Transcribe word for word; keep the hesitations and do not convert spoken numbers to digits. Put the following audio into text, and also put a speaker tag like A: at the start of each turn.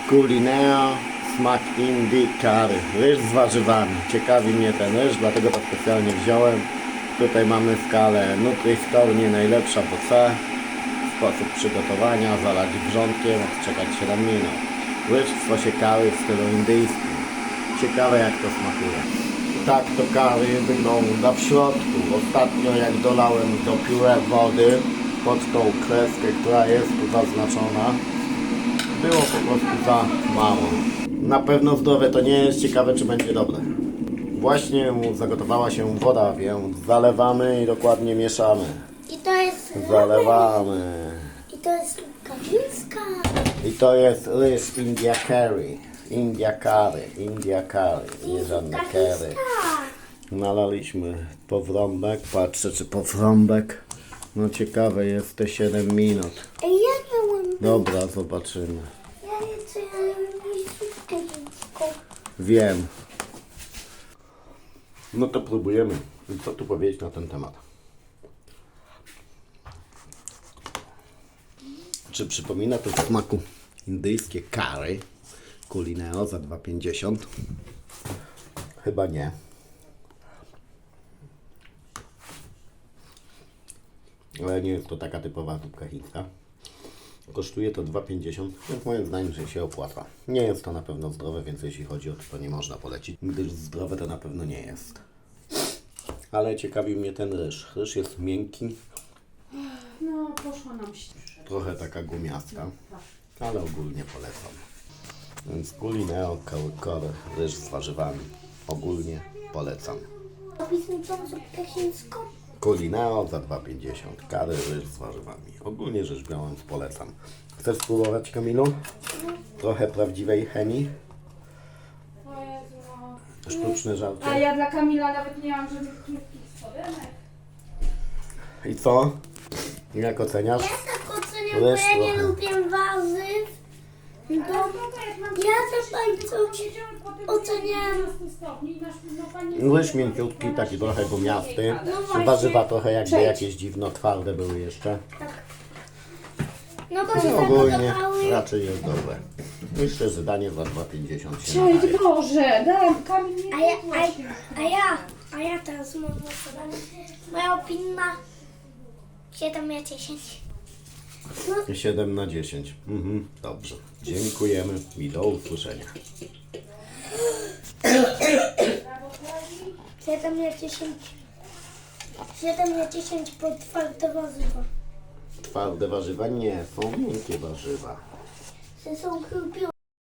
A: Culineo, smak Indii curry. Ryż z warzywami. Ciekawi mnie ten ryż, dlatego to specjalnie wziąłem. Tutaj mamy skalę Nutri-Score, nie najlepsza, bo C. Sposób przygotowania, zalać wrzątkiem, odczekać siedem minut. Ryż w sosie curry w stylu indyjskim. Ciekawe jak to smakuje. Tak to curry wygląda w środku. Ostatnio jak dolałem to pióre wody pod tą kreskę, która jest tu zaznaczona, było po prostu za mało. Na pewno zdrowe to nie jest, ciekawe czy będzie dobre. Właśnie zagotowała się woda, więc zalewamy i dokładnie mieszamy.
B: I to jest...
A: Zalewamy.
B: I to jest rybka chińska.
A: I to jest ryż India curry. India curry, India curry, nie żadne curry. Nalaliśmy powrąbek, patrzę czy powrąbek. No ciekawe jest te siedem minut.
B: Ej, ja miałem...
A: Dobra, zobaczymy.
B: Ja jeszcze miałem rybkę chińską.
A: Wiem. No to próbujemy. I co tu powiedzieć na ten temat? Czy przypomina to w smaku indyjskie curry? Culineo za dwa pięćdziesiąt? Chyba nie. Ale nie jest to taka typowa zupka chińska. Kosztuje to dwa pięćdziesiąt, więc moim zdaniem, że się opłaca. Nie jest to na pewno zdrowe, więc jeśli chodzi o to, to nie można polecić, gdyż zdrowe to na pewno nie jest. Ale ciekawi mnie ten ryż. Ryż jest miękki,
C: No, poszła nam ścieżka.
A: trochę taka gumiasta, ale ogólnie polecam. Więc Culineo curry, ryż z warzywami. Ogólnie polecam.
B: Opis mi tą zupkę chińską.
A: Culineo za dwa pięćdziesiąt, curry, ryż z warzywami. Ogólnie rzecz biorąc polecam. Chcesz spróbować, Kamilu? Trochę prawdziwej chemii?
C: O Jezu, no.
A: Sztuczne żarcie.
C: A ja dla Kamila nawet nie mam żadnych krótkich spodenek.
A: I co? Jak oceniasz?
B: Ja tak oceniam, bo
A: Ryż
B: ja nie
A: trochę.
B: lubię warzyw. To ja za bardzo oceniam.
A: Ryż mięciutki, taki trochę gumiasty.
B: No właśnie.
A: Warzywa trochę jakby
C: Cześć.
A: jakieś dziwno twarde były jeszcze.
B: No bo się
A: No ogólnie
B: zagotowały.
A: raczej jest dobre. Myślę, że danie za dwa pięćdziesiąt się
C: Cześć
A: nadaje.
C: Boże, dam, Kamil nie
B: A ja,
C: właśnie.
B: a, a ja, a ja teraz mam głosowanie. Moja opinia siedem na dziesięć. No,
A: siedem na dziesięć. Mhm, dobrze. Dziękujemy i do usłyszenia.
B: siedem na dziesięć. siedem na dziesięć pod twarde warzywa.
A: Twarde warzywa nie, są miękkie warzywa.
B: To są chyba